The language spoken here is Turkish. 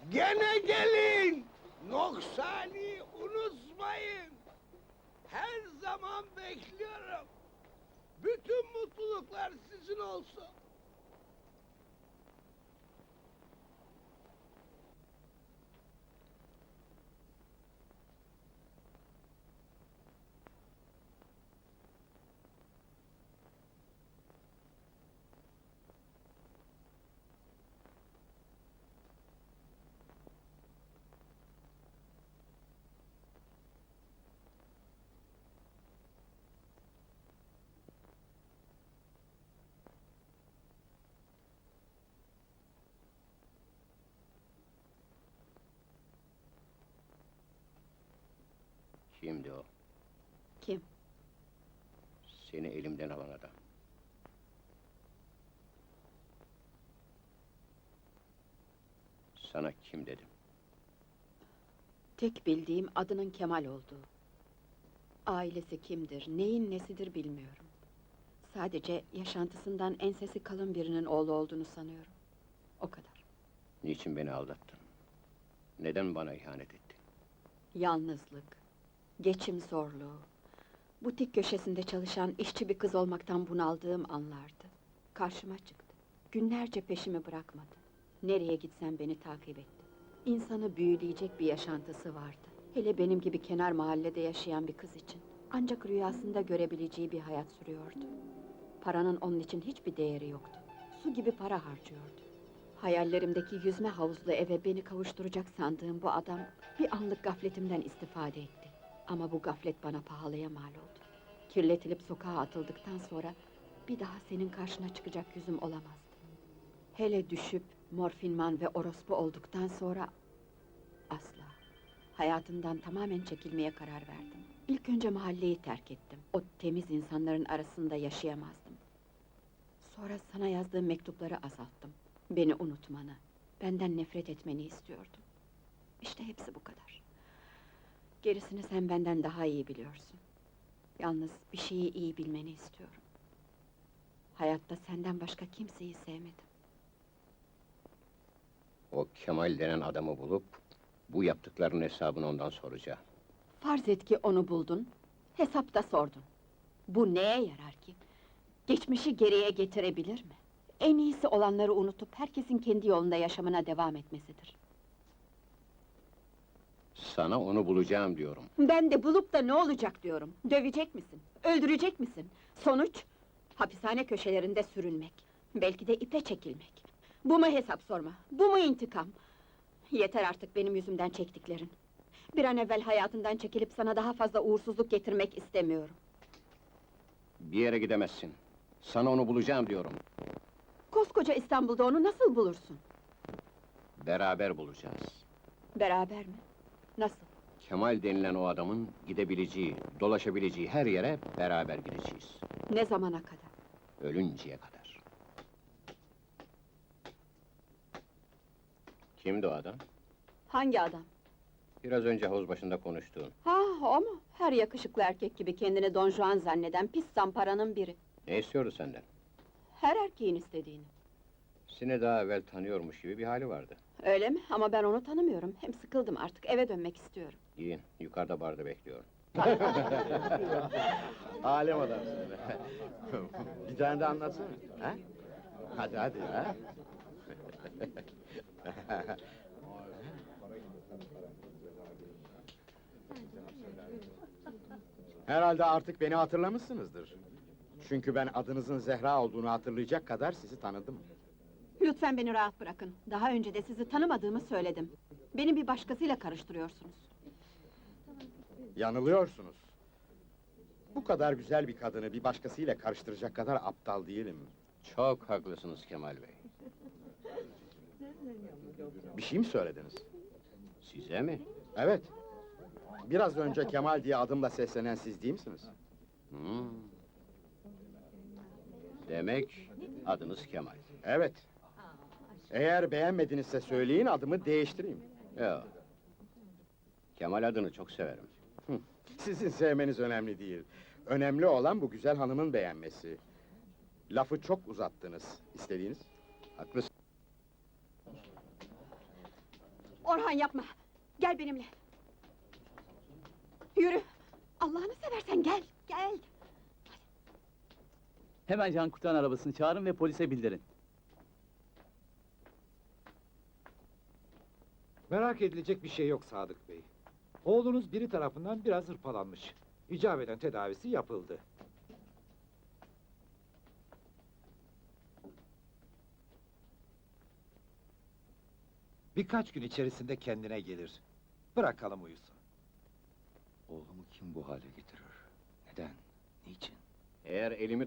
Gene gelin! Noksani unutmayın! Her zaman bekliyorum! Bütün mutluluklar sizin olsun! Kimdi o? Kim? Seni elimden alan adam. Sana kim dedim? Tek bildiğim adının Kemal olduğu. Ailesi kimdir, neyin nesidir bilmiyorum. Sadece yaşantısından ensesi kalın birinin oğlu olduğunu sanıyorum. O kadar. Niçin beni aldattın? Neden bana ihanet ettin? Yalnızlık, geçim zorluğu, butik köşesinde çalışan işçi bir kız olmaktan bunaldığım anlardı. Karşıma çıktı. Günlerce peşimi bırakmadı. Nereye gitsem beni takip etti. İnsanı büyüleyecek bir yaşantısı vardı. Hele benim gibi kenar mahallede yaşayan bir kız için. Ancak rüyasında görebileceği bir hayat sürüyordu. Paranın onun için hiçbir değeri yoktu. Su gibi para harcıyordu. Hayallerimdeki yüzme havuzlu eve beni kavuşturacak sandığım bu adam bir anlık gafletimden istifade etti. Ama bu gaflet bana pahalıya mal oldu. Kirletilip sokağa atıldıktan sonra bir daha senin karşına çıkacak yüzüm olamazdı. Hele düşüp morfinman ve orospu olduktan sonra asla. Hayatımdan tamamen çekilmeye karar verdim. İlk önce mahalleyi terk ettim. O temiz insanların arasında yaşayamazdım. Sonra sana yazdığım mektupları azalttım. Beni unutmanı, benden nefret etmeni istiyordum. İşte hepsi bu kadar. Gerisini sen benden daha iyi biliyorsun. Yalnız bir şeyi iyi bilmeni istiyorum. Hayatta senden başka kimseyi sevmedim. O Kemal denen adamı bulup, bu yaptıklarının hesabını ondan soracağım. Farz et ki onu buldun, hesapta sordun. Bu neye yarar ki? Geçmişi geriye getirebilir mi? En iyisi olanları unutup herkesin kendi yolunda yaşamına devam etmesidir. Sana onu bulacağım diyorum. Ben de bulup da ne olacak diyorum. Dövecek misin? Öldürecek misin? Sonuç? Hapishane köşelerinde sürünmek. Belki de ipe çekilmek. Bu mu hesap sorma? Bu mu intikam? Yeter artık benim yüzümden çektiklerin. Bir an evvel hayatından çekilip sana daha fazla uğursuzluk getirmek istemiyorum. Bir yere gidemezsin. Sana onu bulacağım diyorum. Koskoca İstanbul'da onu nasıl bulursun? Beraber bulacağız. Beraber mi? Nasıl? Kemal denilen o adamın gidebileceği, dolaşabileceği her yere beraber gideceğiz. Ne zamana kadar? Ölünceye kadar. Kimdi o adam? Hangi adam? Biraz önce havuz başında konuştuğun. Ha, o mu? Her yakışıklı erkek gibi kendini Don Juan zanneden pis zamparanın biri. Ne istiyordu senden? Her erkeğin istediğini. Seni daha evvel tanıyormuş gibi bir hali vardı. Öyle mi? Ama ben onu tanımıyorum. Hem sıkıldım artık, eve dönmek istiyorum. Giyin, yukarıda barda bekliyorum. Alem adamsın be! Bir tane de anlatsana, ha? Hadi hadi, ha? Herhalde artık beni hatırlamışsınızdır. Çünkü ben adınızın Zehra olduğunu hatırlayacak kadar sizi tanıdım. Lütfen beni rahat bırakın. Daha önce de sizi tanımadığımı söyledim. Beni bir başkasıyla karıştırıyorsunuz. Yanılıyorsunuz. Bu kadar güzel bir kadını bir başkasıyla karıştıracak kadar aptal değilim. Çok haklısınız Kemal Bey. Bir şey mi söylediniz? Size mi? Evet. Biraz önce Kemal diye adımla seslenen siz değil misiniz? Hmm. Demek adınız Kemal. Evet. Eğer beğenmedinizse söyleyin, adımı değiştireyim. Yok. Kemal adını çok severim. Sizin sevmeniz önemli değil. Önemli olan bu güzel hanımın beğenmesi. Lafı çok uzattınız. İstediğiniz? Haklısın. Orhan yapma! Gel benimle! Yürü! Allah'ını seversen gel, gel! Hemen can kurtaran arabasını çağırın ve polise bildirin. Merak edilecek bir şey yok Sadık Bey. Oğlunuz biri tarafından biraz hırpalanmış. İcap eden tedavisi yapıldı. Birkaç gün içerisinde kendine gelir. Bırakalım uyusun. Oğlumu kim bu hale getirir? Neden? Niçin? Eğer elimi